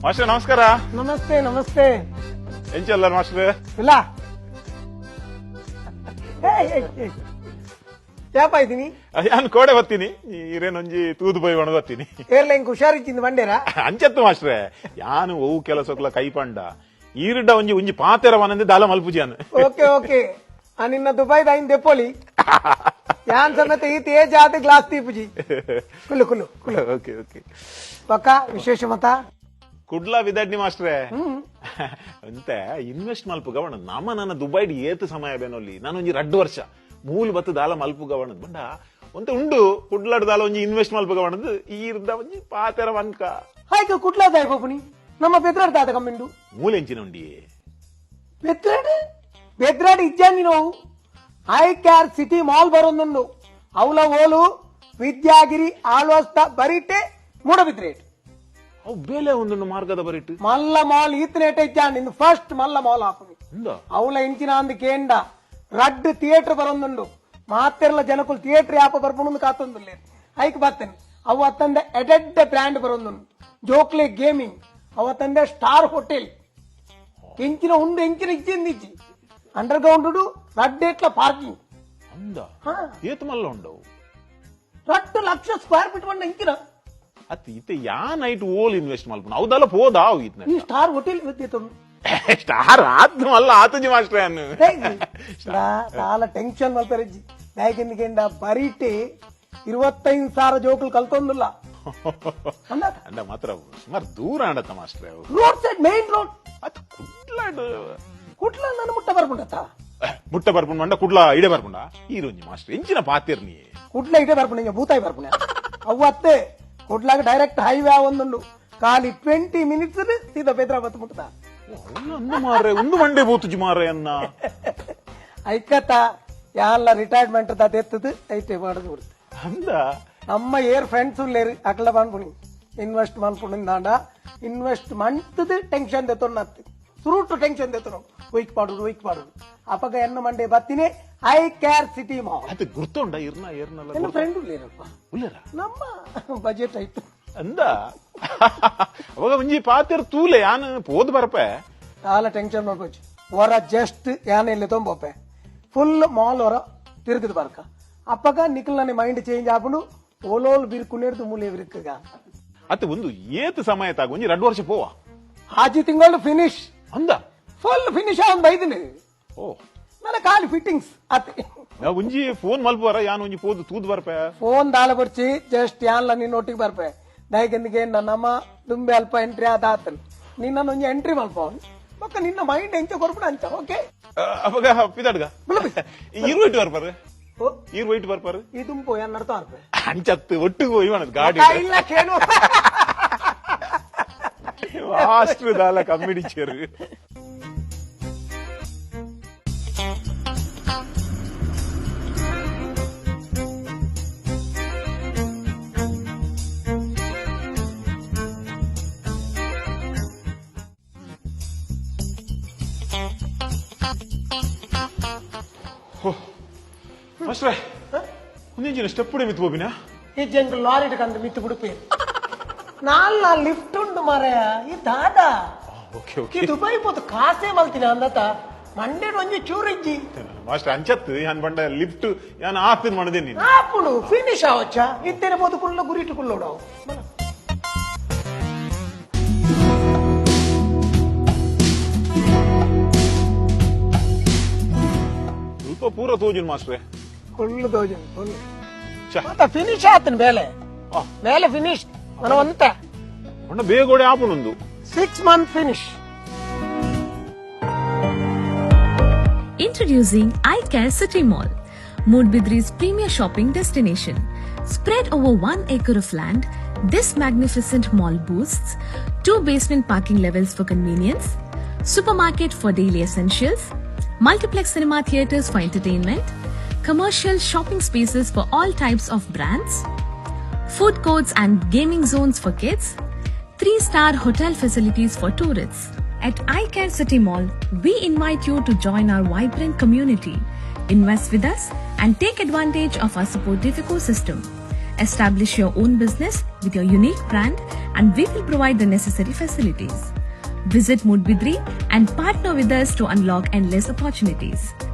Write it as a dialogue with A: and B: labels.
A: Master ನಮಸ್ಕಾರ.
B: ನಮಸ್ತೆ ನಮಸ್ತೆ.
A: ಏನ್ ಚಲ್ಲ ಮಾಸ್ಟರ್?
B: ಇಲ್ಲ ಯಾಪ ಇದ್ದೀನಿ
A: ನಾನು ಕೋಡೆ ಬತ್ತೀನಿ ಇರೇನೊಂಜಿ ತೂದು ಬೈ ಒಣಗ ಬತ್ತೀನಿ.
B: ಏರ್ಲೈನ್ ಹುಷಾರಿಚ್ಚಿಂದ ಬಂಡೇರ
A: ಅಂಚತ್ತು ಮಾಸ್ಟ್ರೆ ಯಾನು ಅವು ಕೆಲಸಕ್ಲ ಕೈಪಂಡ ಈರುಡ್ಡ ಒಂಜಿ ಒಂಜಿ ಪಾತೆರ ವನಂದೆ ದಾಲ ಮಲ್ಪುಜಿ ಅನ್.
B: ಓಕೆ ಓಕೆ ನಿನ್ನ ದುಬೈದ ಐನ್ ದೆಪ್ಪೋಲಿ ಯಾನ್ ಸಮೇತ ಈ ತೇಜ್ ಆದ ಗ್ಲಾಸ್ ತೀಪುಜಿ ಕುಲ್ಲು ಕುಲ್ಲು ಕುಲ್ಲು.
A: ಓಕೆ ಓಕೆ
B: ಪಕ್ಕ ವಿಶೇಷ ಮತ
A: ಕುಡ್ಲಾ ವಿದಡ್ನಿ ಮಾಸ್ಟ್ರೆ ಅಂತ ಇನ್ವೆಸ್ಟ್ ಮಲ್ಪು ಗವಣ ನಮ್ಮ ನನ್ನ ದುಬೈಡ್ ಏತು ಸಮಯ ಬೇನೊಲ್ಲಿ ನಾನು ಒಂಜಿ 2 ವರ್ಷ ಮೂಲ ಬತ್ತು ದಾಲ ಮಲ್ಪು ಗವಣದ್ ಬಂಡ ಒಂತ ಉಂಡು ಕುಡ್ಲಾಡ್ ದಾಲ ಒಂಜಿ ಇನ್ವೆಸ್ಟ್ ಮಲ್ಪು ಗವಣದ್ ಈರ್ದ ಒಂಜಿ ಪಾತೆರ ವನ್ಕ
B: ಹಾಯ್ಕ ಕುಟ್ಲಾದ ಪೋಪುನಿ ನಮ್ಮ ಬೆದ್ರಾಡ್ ದಾದ ಕಮ್ಮಿಂಡು
A: ಮೂಲ ಎಂಚಿನ ಉಂಡಿ
B: ಬೆದ್ರಾಡ್ ಇಜ್ಜಾನಿ ನೋವು ಐ ಕ್ಯಾರ್ ಸಿಟಿ ಮಾಲ್ ಬರೋಂದುಂಡು ಅವಲ ಓಲು ವಿದ್ಯಾಗಿರಿ ಆಳ್ವಸ್ತ ಬರಿಟೆ ಮೂಡಬಿದ್ರೇಟ್
A: ಅವು ಬೇಲೆ ಒಂದೊಂದು ಮಾರ್ಗದ ಬರಿಟ್ಟು
B: ಮಲ್ಲ ಮಾಲ್ ಈತನೇಟ ಇಜ್ಜಾನ್ ಇಂದು ಫಸ್ಟ್ ಮಲ್ಲ ಮಾಲ್ ಹಾಪುನಿ ಅವಲ ಇಂಚಿನ ಅಂದ್ ಕೇಂಡ ರಡ್ ಥಿಯೇಟರ್ ಬರೋಂದುಂಡು ಮಾತೆರ್ಲ ಜನಕ್ಕೂ ಥಿಯೇಟರ್ ಯಾಪ ಬರ್ಪುಣು ಕಾತೊಂದುಲ್ಲೆ ಐಕ್ ಬರ್ತೇನೆ ಅವು ಅತ್ತಂದೆ ಎಡೆಡ್ ಬ್ರ್ಯಾಂಡ್ ಬರೋಂದುಂಡು ಜೋಕ್ಲೆ ಗೇಮಿಂಗ್ ಅವತ್ತಂದೆ ಸ್ಟಾರ್ ಹೋಟೆಲ್ ಎಂಚಿನ ಉಂಡು ಎಂಚಿನ ಇಜ್ಜಿಂದಿಜ್ಜಿ ಅಂಡರ್ ಗ್ರೌಂಡ್ ರಡ್ಡೇಟ್ಲ ಪಾರ್ಕಿಂಗ್
A: ಏತು ಮಲ್ಲ ಉಂಡವು
B: 2 ಲಕ್ಷ ಸ್ಕ್ವೇರ್ ಫೀಟ್ ಬಂಡ ಎಂಚಿನ
A: ಅತ್ ಇತ್ತೆ ಯಾ ನೈಟ್ ಓಲ್ ಇನ್ವೆಸ್ಟ್ ಮಲ್ಪುನ ಅವದಲ್ಲ ಹೋದಾ ಇತ್ನ
B: ಈ ಸ್ಟಾರ್ ಹೋಟೆಲ್ ಗೊತ್ತಿತ್ತು
A: ಸ್ಟಾರ್ ಆತ್ ಮಲ್ಲ ಆತಜಿ ಮಾಸ್ಟ್ರೆ ಅನ್ನು
B: చాలా ಟೆನ್ಷನ್ ಮಲ್ತಾರಜ್ಜಿ ಬ್ಯಾಗಿಂದ ಬರೀಟೆ 25,000 ಜೋಕುಲು ಕಲ್ತೊಂದಿಲ್ಲ
A: ಅಂಡ ಮಾತ್ರ ಸುಮಾರು ದೂರ ಆಡತ್ತ ಮಾಸ್ಟ್ರೆ ಅವು
B: ರೋಡ್ ಸೈಡ್ ಮೇನ್ ರೋಡ್
A: ಅತ್ ಕುಡ್ಲಾಡ್
B: ನಾನು ಮುಟ್ಟ ಬರ್ಪುಂಡತ್ತ
A: ಮುಟ್ಟ ಬರ್ಪುಂಡ ಮಂಡ ಕುಡ್ಲ ಇಡೆ ಬರ್ಪುಂಡ ಈರೊಂಜಿ ಮಾಸ್ಟ್ರೆ ಎಂಚಿನ ಪಾತಿರ್ ನೀ
B: ಕುಡ್ಲ ಇಡೆ ಬರ್ಪುಂಡ ಭೂತಾಯಿ ಬರ್ಪುಣ ಅವತ್ತೆ ಕುಡ್ಲಾಗ ಡೈರೆಕ್ಟ್ ಹೈವೇ ಒಂದುಂಡು ಖಾಲಿ 20 ಮಿನಿಟ್ಸ್ ಸೀದಾ ಹೈದರಾಬಾದ್ ಮುಟ್ಟದ
A: ಮಾರ್ರೆ ಒಂದು ಮಂಡೆ ಬೂತುಜಿ ಮಾರ್ರೆ ಅನ್ನ
B: ಐಕತ್ತ ಯಾಲ್ಲ ರಿಟೈರ್ಮೆಂಟ್ ಎತ್ತದು ಐಟೆ ಮಾಡುದು ಬಿಡುತ್ತೆ
A: ಅಂದ
B: ನಮ್ಮ ಏರ್ ಫ್ರೆಂಡ್ಸ್ ಉಳ್ಳೇರು ಅಕಲ ಬಂದ್ಪುಣಿ ಇನ್ವೆಸ್ಟ್ ಮಾಡ್ಕೊಂಡಿಂದಾಂಡ ಇನ್ವೆಸ್ಟ್ ಮಂತದ ಟೆನ್ಷನ್ ತೆತ್ತೊಂಡು ಸುರುಟು ಟೆನ್ಷನ್ ತೆತ್ತನು ವೈಕ್ ಪಾಡುದು ಅಪಗ ಎನ್ನ ಮಂಡೆ ಬತ್ತಿನೇ ಐ ಕ್ಯಾರ್ ಸಿಟಿ ಮಾಲ್
A: ಅದು ಗುರ್ತುಂಡ ಇರ್ನ ಏರ್ನಲ್ಲ
B: ನನ್ನ ಫ್ರೆಂಡ್ ಉಳ್ಳೇರಪ್ಪ
A: ಉಳ್ಳೇರ
B: ನಮ್ಮ ಬಜೆಟ್ ಆಯ್ತು
A: ಅಂದ ಅವಾಗ ಒಂಜಿ ಪಾತಿರ್ ತೂಲೆ ಯಾನ್ ಪೋದ್ ಬರಪೆ
B: చాలా ಟೆನ್ಷನ್ ಮಾಡ್ಕೋಚು ಹೊರ ಜಸ್ಟ್ ಯಾನೆಲ್ಲ ತೊಂಬೋಪೆ ಫುಲ್ ಮಾಲ್ ಹೊರ ತಿರುಗದು ಬರ್ಕ ಅಪ್ಪಗ ನಿಖಲ್ ಮೈಂಡ್ ಚೇಂಜ್ ಆಪುಂಡು ಓಲೋಲ್ ಬಿರ್ಕುನೇರ್ದು ಮೂಲೆ ಬಿರ್ಕಗ
A: ಅತ್ತ ಒಂದು ಏತ್ ಸಮಯ ತಾಗ ಒಂಜಿ 2 ವರ್ಷ ಪೋವ
B: ಆಜಿ ತಿಂಗಳು ಫಿನಿಶ್
A: ಅಂದ
B: ಫುಲ್ ಫಿನಿಶ್ ಆನ್ ಬೈದಿನಿ
A: ಓ
B: ನನ್ನ ಖಾಲಿ ಫಿಟ್ಟಿಂಗ್ಸ್ ಅತ್ತೆ
A: ಒಂಜಿ ಫೋನ್ ಮಲ್ಪುವರ ಯಾನ್ ಒಂಜಿ ಪೋದು ತೂದ್ ಬರ್ಪೆ
B: ಫೋನ್ ದಾಳ ಬರ್ಚಿ ಜಸ್ಟ್ ಯಾನ್ಲ ನೀನ್ ಒಟ್ಟಿಗೆ ಬರ್ಪೆ ದಯಗಂದಿಗೆ ನನ್ನಮ್ಮ ದುಂಬೆ ಅಲ್ಪ ಎಂಟ್ರಿ ಆದಾತನ್ ನಿನ್ನ ಒಂಜಿ ಎಂಟ್ರಿ ಮಲ್ಪವನ್ ಮಕ್ಕ ನಿನ್ನ ಮೈಂಡ್ ಎಂಚ ಕೊರ್ಪುಣ ಅಂಚ ಓಕೆ
A: ಅವಾಗ ಪಿದಾಡ್ಗ ಈರ್ವೈಟ್ ಬರ್ಪಾರ ಈರ್ವೈಟ್ ಬರ್ಪಾರ
B: ಈ ದುಂಪು ಏನ್ ನಡ್ತಾ ಬರ್ಪೆ
A: ಅಂಚತ್ತು ಒಟ್ಟಿಗೆ ಹೋಯ್ವಣದ್ ಗಾಡಿ
B: ಇಲ್ಲ ಕೇಳು
A: ಮಾಸ್ಟರ್ ದಾಲ ಕಮ್ಮಿಡಿ ಚೇರು ಮಾಸ್ಟ್ರೆ ಒಂದಿಂಚಿನ ಸ್ಟೆಪ್ ಮಿತ್ ಬೋಬಿನ
B: ಈ ಜಂಗ್ ಲಾರಿ ಇಟ್ಕಂದ್ರೆ ಮಿತ್ತು ಬಿಡುಪೆ ನಾಲ್ ಲಿಫ್ಟ್ ಉಂಟು ಮಾರಾಯ ಈ ದಾದ ಈ ದುಬೈ ಪೋತು ಕಾಸೆ ಮಲ್ತಿನ ಅಂದತ ಮಂಡೇಡ್ ಒಂಜಿ ಚೂರಿಜ್ಜಿ
A: ಮಾಸ್ಟರ್ ಅಂಚತ್ತು ಯಾನ್ ಬಂಡ ಲಿಫ್ಟ್ ಯಾನ್ ಆಪಿನ್ ಮಾಡದೆ ನೀನು
B: ಆಪುಡು ಫಿನಿಶ್ ಆವಚ್ಚ ಇತ್ತೇನೆ ಪೋತು ಕುಲ್ಲ ಗುರಿಟ್ಟು ಕುಲ್ಲೋಡಾವು
A: ಸ್ವಲ್ಪ ಪೂರ ತೋಜುನ್ ಮಾಸ್ಟ್ರೆ
B: ಕುಲ್ಲು ತೋಜುನ್ ಕುಲ್ಲು ಮತ್ತ ಫಿನಿಶ್ ಆತನ್ ಬೇಲೆ ಫಿನಿಶ್ మన వంత
A: కొండ బేగోడే ఆపునుందు
B: 6 month finish.
C: Introducing iCare City Mall, Moodbidri's premier shopping destination. Spread over 1 acre of land, this magnificent mall boasts 2 basement parking levels for convenience, supermarket for daily essentials, multiplex cinema theaters for entertainment, commercial shopping spaces for all types of brands, food courts and gaming zones for kids, 3-star hotel facilities for tourists. At iCare City Mall, we invite you to join our vibrant community. Invest with us and take advantage of our supportive ecosystem. Establish your own business with your unique brand and we will provide the necessary facilities. Visit Moodbidri and partner with us to unlock endless opportunities.